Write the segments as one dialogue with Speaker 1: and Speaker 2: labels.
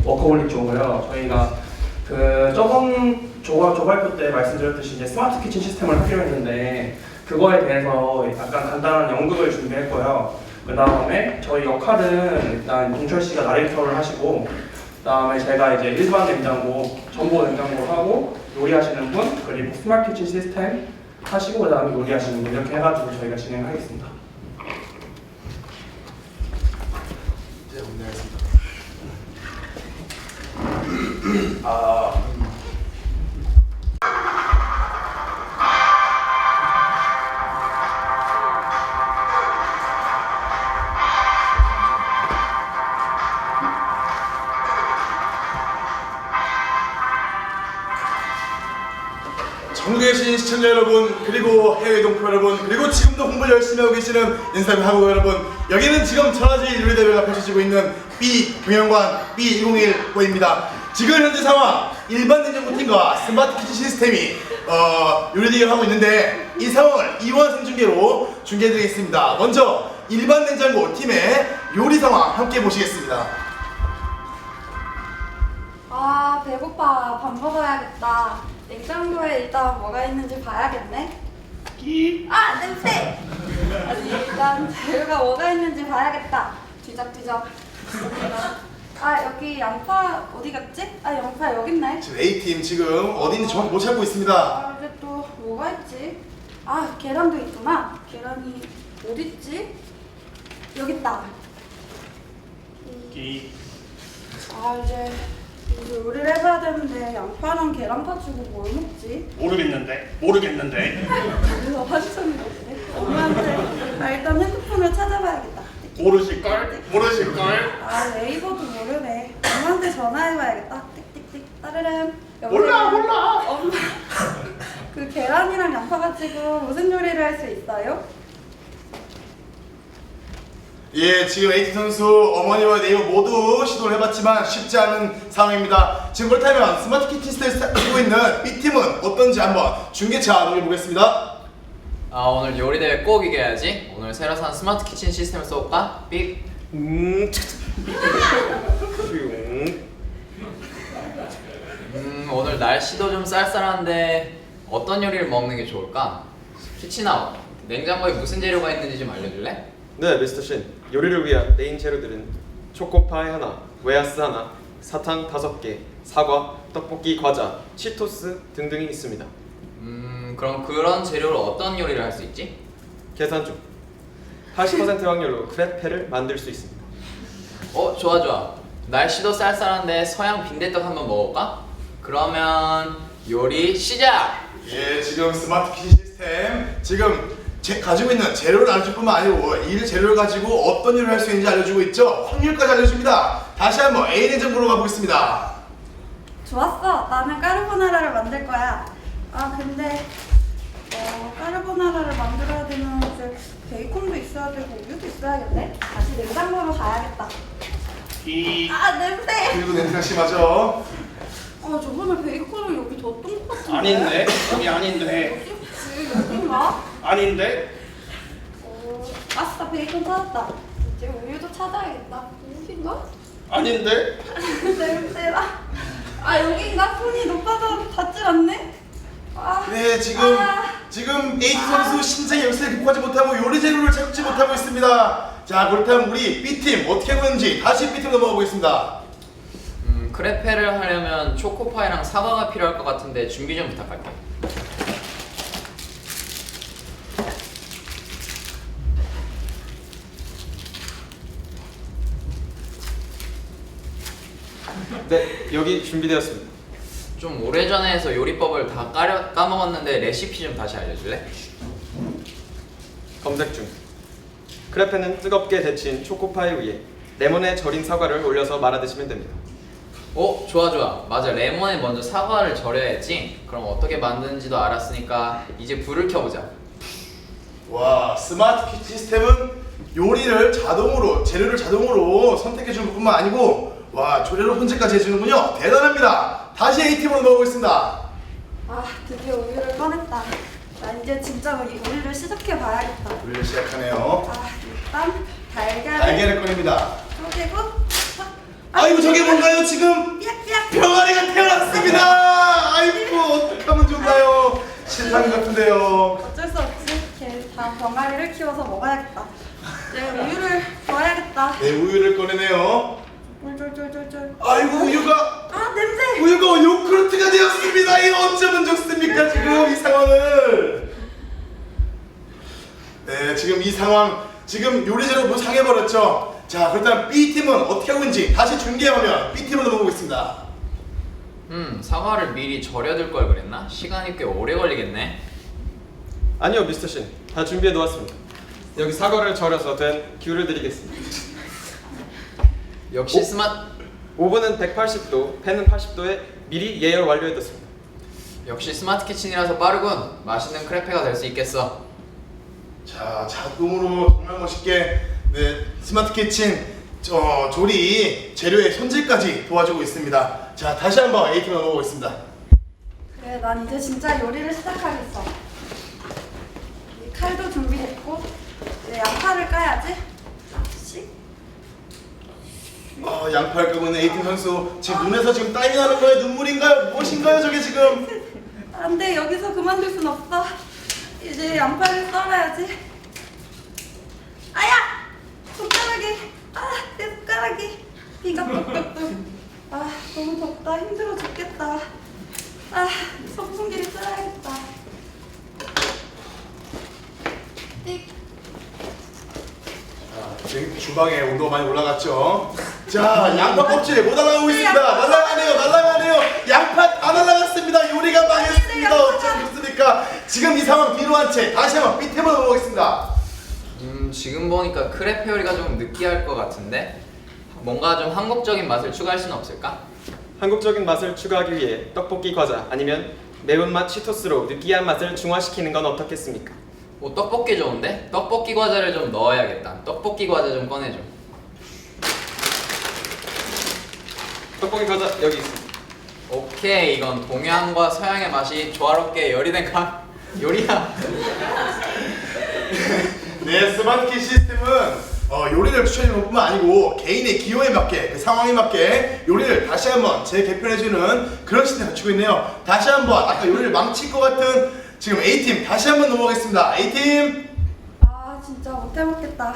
Speaker 1: 워커홀릭 쪽이고요. 저희가 그 저번 조발표 때 말씀드렸듯이 이제 스마트 키친 시스템을 하기로 했는데 그거에 대해서 약간 간단한 연극을 준비했고요. 그 다음에 저희 역할은 일단 동철 씨가 나레이터를 하시고, 그 다음에 제가 이제 일반 냉장고, 전보 냉장고 하고 요리하시는 분, 그리고 스마트 키친 시스템 하시고 그 다음에 요리하시는 분 이렇게 해가지고 저희가 진행하겠습니다.
Speaker 2: 이제 문의하겠습니다. 전국에 계신 시청자 여러분, 그리고 해외 동포 여러분, 그리고 지금도 공부를 열심히 하고 계시는 인사비 한국 여러분, 여기는 지금 천하제일 요리대회가 펼쳐지고 있는 B경영관 B101호입니다. 지금 현재 상황, 일반 냉장고 팀과 스마트 키친 시스템이 요리대회를 하고 있는데 이 상황을 이원 생중계로 중계해드리겠습니다. 먼저 일반 냉장고 팀의 요리 상황 함께 보시겠습니다.
Speaker 3: 아, 배고파. 밥 먹어야겠다. 냉장고에 일단 뭐가 있는지 봐야겠네. 아, 냄새! 아니, 일단 재료가 뭐가 있는지 봐야겠다. 뒤적뒤적. 아, 여기 양파 어디 갔지? 아, 양파 여기 있네.
Speaker 2: 지금 A팀 지금 어딘지 정확히 못 찾고 있습니다.
Speaker 3: 아, 이제 또 뭐가 있지? 아, 계란도 있구나. 계란이 어디 있지? 여기 있다. 아, 이제 요리를 해봐야 되는데 양파랑 계란 가지고 뭘 먹지?
Speaker 1: 모르겠는데.
Speaker 3: 그래서 한참이 없네. 엄마한테 일단 핸드폰을 찾아봐야겠다.
Speaker 1: 모르실걸?
Speaker 3: 아, 네이버도 모르네. 엄마한테 전화해봐야겠다. 띡띡띡 따르릉.
Speaker 1: 몰라.
Speaker 3: 엄마, 그 계란이랑 양파 가지고 무슨 요리를 할 수 있어요?
Speaker 2: 예, 지금 A팀 선수 어머니와 네이버 모두 시도를 해봤지만 쉽지 않은 상황입니다. 지금 그렇다면 스마트 키친 시스템을 쓰고 있는 B팀은 어떤지 한번 중계차 넘겨보겠습니다.
Speaker 4: 오늘 요리대회 꼭 이겨야지. 오늘 새로 산 스마트 키친 시스템을 써볼까? 삑. 오늘 날씨도 좀 쌀쌀한데 어떤 요리를 먹는 게 좋을까? 키친아웃. 냉장고에 무슨 재료가 있는지 좀 알려줄래?
Speaker 5: 네, 미스터 신. 요리를 위한 메인 재료들은 초코파이 하나, 웨하스 하나, 사탕 5개, 사과, 떡볶이, 과자, 치토스 등등이 있습니다.
Speaker 4: 그럼 그런 재료로 어떤 요리를 할 수 있지?
Speaker 5: 계산 중. 80% 확률로 크레페를 만들 수 있습니다.
Speaker 4: 좋아. 날씨도 쌀쌀한데 서양 빈대떡 한번 먹어볼까? 그러면 요리 시작!
Speaker 2: 예, 지금 스마트 키친 시스템 지금 가지고 있는 재료를 알려줄 뿐만 아니고 이 재료를 가지고 어떤 일을 할 수 있는지 알려주고 있죠. 확률까지 알려줍니다. 다시 한번 A 냉장고로 가보겠습니다.
Speaker 3: 좋았어. 나는 까르보나라를 만들 거야. 아, 근데 까르보나라를 만들어야 되면 이제 베이컨도 있어야 되고 우유도 있어야겠네. 다시 냉장고로 가야겠다. 아, 냄새!
Speaker 2: 그리고 냄새가 심하죠.
Speaker 3: 아, 저번에 베이컨을 여기 뒀던 것 같은데.
Speaker 1: 아닌데? 여기 아닌데.
Speaker 3: 여긴가?
Speaker 1: 아닌데?
Speaker 3: 아싸, 베이컨 찾았다. 이제 우유도 찾아야겠다. 여긴가?
Speaker 1: 아닌데?
Speaker 3: 냄새나. 아, 여긴가? 손이 높아서 닿질 않네. 아,
Speaker 2: 네, 지금 A 선수 신장의 열쇠를 극복하지 못하고 요리 재료를 찾지 못하고 있습니다. 자, 그렇다면 우리 B팀 어떻게 하고 있는지 다시 B팀 넘어가 보겠습니다.
Speaker 4: 크레페를 하려면 초코파이랑 사과가 필요할 것 같은데 준비 좀 부탁할게.
Speaker 5: 네, 여기 준비되었습니다.
Speaker 4: 좀 오래전에 해서 요리법을 다 까먹었는데 레시피 좀 다시 알려줄래?
Speaker 5: 검색 중. 크레페는 뜨겁게 데친 초코파이 위에 레몬에 절인 사과를 올려서 말아 드시면 됩니다.
Speaker 4: 좋아. 맞아, 레몬에 먼저 사과를 절여야지. 그럼 어떻게 만드는지도 알았으니까 이제 불을 켜보자.
Speaker 2: 와, 스마트 키친 시스템은 요리를 자동으로, 재료를 자동으로 선택해 주는 뿐만 아니고 와, 조리를 혼자까지 해주는군요. 대단합니다. 다시 A팀으로 넘어가겠습니다.
Speaker 3: 아, 드디어 우유를 꺼냈다. 나 이제 진짜 요리를 시작해 봐야겠다.
Speaker 2: 요리를 시작하네요.
Speaker 3: 아, 일단 달걀을
Speaker 2: 달걀을 꺼냅니다.
Speaker 3: 쪼개고 탁.
Speaker 2: 아이고, 아이고 저게 뭔가요 지금? 병아리가 태어났습니다. 아이고 어떡하면 좋나요? 신랑 같은데요.
Speaker 3: 어쩔 수 없지. 걔 다 병아리를 키워서 먹어야겠다. 내 우유를 부어야겠다.
Speaker 2: 네 우유를 꺼내네요.
Speaker 3: 쫄쫄쫄쫄쫄.
Speaker 2: 아이고 우유가
Speaker 3: 아 냄새.
Speaker 2: 우유가 요구르트가 되었습니다. 이거 어쩌면 좋습니까 지금 이 상황을? 네 지금 이 상황 지금 요리재료 모두 상해버렸죠. 자 그렇다면 B팀은 어떻게 하고 있는지 다시 중계화면 B팀으로 넘어보겠습니다.
Speaker 4: 사과를 미리 절여둘 걸 그랬나? 시간이 꽤 오래 걸리겠네.
Speaker 5: 아니요 미스터 신, 다 준비해 놓았습니다. 여기 사과를 절여서 된 귤을 드리겠습니다.
Speaker 4: 역시 스마트.
Speaker 5: 오븐은 180도, 팬은 80도에 미리 예열 완료해뒀습니다.
Speaker 4: 역시 스마트 키친이라서 빠르군. 맛있는 크레페가 될 수 있겠어.
Speaker 2: 자 자동으로 정말 멋있게 네 스마트 키친 조리 재료의 손질까지 도와주고 있습니다. 자 다시 한번 A팀 넘어보겠습니다.
Speaker 3: 그래 난 이제 진짜 요리를 시작하겠어. 이 칼도 준비됐고 이제 양파를 까야지. 씩.
Speaker 2: 양파를 끄고 있는 A팀 선수 지금 눈에서 지금 땀이 나는 거예요? 눈물인가요? 무엇인가요 저게 지금?
Speaker 3: 안돼 여기서 그만둘 순 없어. 이제 양파를 썰어야지. 아야! 손가락이 내 손가락이 비가 뚝뚝뚝. 너무 덥다. 힘들어 죽겠다. 선풍기를 쓸어야겠다. 띡.
Speaker 2: 지금 주방에 온도가 많이 올라갔죠. 자 양파 껍질 못 날아가고 있습니다. 날아가네요. 양파 다 날아갔습니다. 요리가 망했습니다. 어쩌면 좋습니까? 지금 이 상황 뒤로 한 채 다시 한번 B팀으로 넘어가겠습니다.
Speaker 4: 지금 보니까 크레페 요리가 좀 느끼할 것 같은데 뭔가 좀 한국적인 맛을 추가할 수는 없을까?
Speaker 5: 한국적인 맛을 추가하기 위해 떡볶이 과자 아니면 매운맛 치토스로 느끼한 맛을 중화시키는 건 어떻겠습니까?
Speaker 4: 떡볶이 좋은데? 떡볶이 과자를 좀 넣어야겠다. 떡볶이 과자 좀 꺼내줘.
Speaker 5: 떡볶이 과자 여기 있습니다.
Speaker 4: 오케이, 이건 동양과 서양의 맛이 조화롭게 요리된 요리야.
Speaker 2: 네 스마트키 시스템은 요리를 추천해주는 것뿐만 아니고 개인의 기호에 맞게 그 상황에 맞게 요리를 다시 한번 재개편해주는 그런 시스템을 갖추고 있네요. 다시 한번 아까 요리를 망칠 것 같은 지금 A팀 다시 한번 넘어가겠습니다. A팀
Speaker 3: 진짜 못해먹겠다.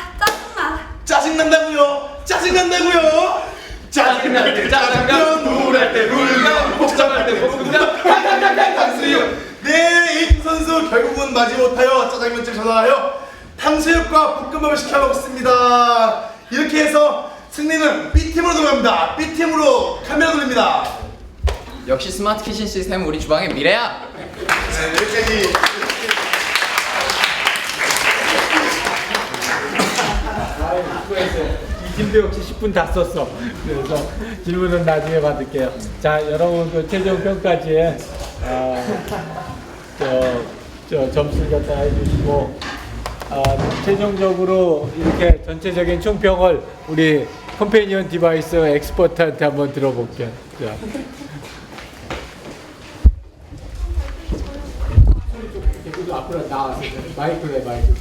Speaker 3: 짜증나.
Speaker 2: 짜증난다고요? 짜증날 때 짜장면, 우울할 때 울면, 복잡할 때 볶음면, 탕수육. 네, A팀 선수 결국은 마지못하여 짜장면집 전화하여 탕수육과 볶음밥을 시켜 먹습니다. 이렇게 해서 승리는 B팀으로 들어갑니다. B팀으로 카메라 돌립니다.
Speaker 4: 역시 스마트 키친 시스템은 우리 주방의 미래야.
Speaker 2: 네, 여기까지.
Speaker 6: 이 팀도 역시 10분 다 썼어. 그래서 질문은 나중에 받을게요. 자, 여러분 그 최종 평가지에 점수 갖다 해주시고 최종적으로 이렇게 전체적인 총평을 우리 컴패니언 디바이스 엑스퍼트한테 한번 들어볼게요. 자. 앞으로 나와서 마이크에 마이크.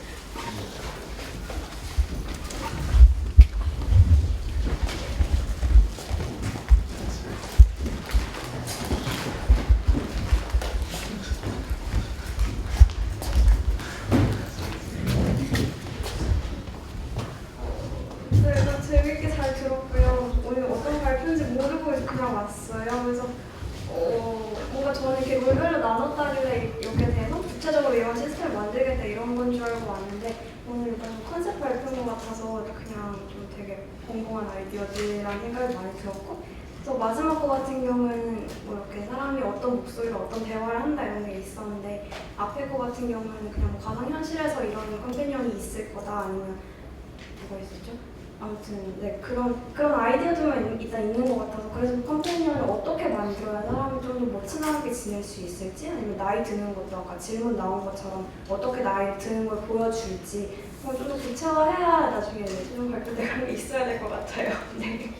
Speaker 7: 그래서 재밌게 잘 들었고요. 오늘 어떤 발표인지 모르고 그냥 왔어요. 그래서 뭔가 저는 이렇게 롤별로 나눴다길래 이렇게 돼서 구체적으로 이런 시스템을 만들겠다 이런 건 줄 알고 왔는데 오늘 일단 좀 컨셉 발표인 것 같아서 그냥 좀 되게 공공한 아이디어들이라는 생각이 많이 들었고 또 마지막 거 같은 경우에는 뭐 이렇게 사람이 어떤 목소리로 어떤 대화를 한다 이런 게 있었는데 앞에 거 같은 경우에는 그냥 뭐 가상현실에서 이런 컴패니언이 있을 거다 아니면 뭐가 있었죠? 아무튼 네 그런 아이디어들만 일단 있는 것 같아서 그래서 컴패니언을 어떻게 만들어야 사람이 좀 더 뭐 친하게 지낼 수 있을지 아니면 나이 드는 것도 아까 질문 나온 것처럼 어떻게 나이 드는 걸 보여줄지 좀 더 구체화해야 나중에 최종 발표 때 그런 게 있어야 될 것 같아요. 네.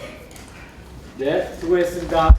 Speaker 6: 네, 수고했습니다.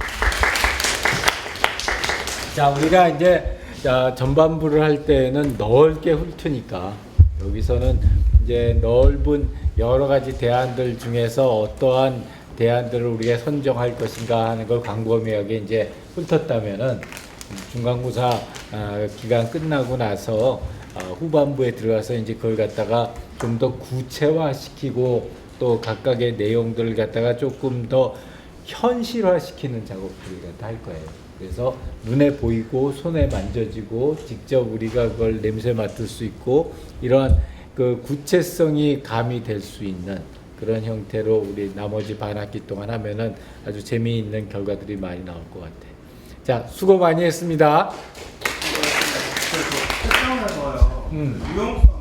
Speaker 6: 자, 우리가 이제 전반부를 할 때는 넓게 훑으니까 여기서는 이제 넓은 여러 가지 대안들 중에서 어떠한 대안들을 우리가 선정할 것인가 하는 걸 광범위하게 이제 훑었다면은 중간고사 기간 끝나고 나서 후반부에 들어가서 이제 그걸 갖다가 좀 더 구체화시키고 또 각각의 내용들을 갖다가 조금 더 현실화시키는 작업들을 갖다 할 거예요. 그래서 눈에 보이고 손에 만져지고 직접 우리가 그걸 냄새 맡을 수 있고 이러한 그 구체성이 가미될 수 있는 그런 형태로 우리 나머지 반학기 동안 하면은 아주 재미있는 결과들이 많이 나올 것 같아요. 자, 수고 많이 했습니다.
Speaker 1: 그 채점에서요. 유형성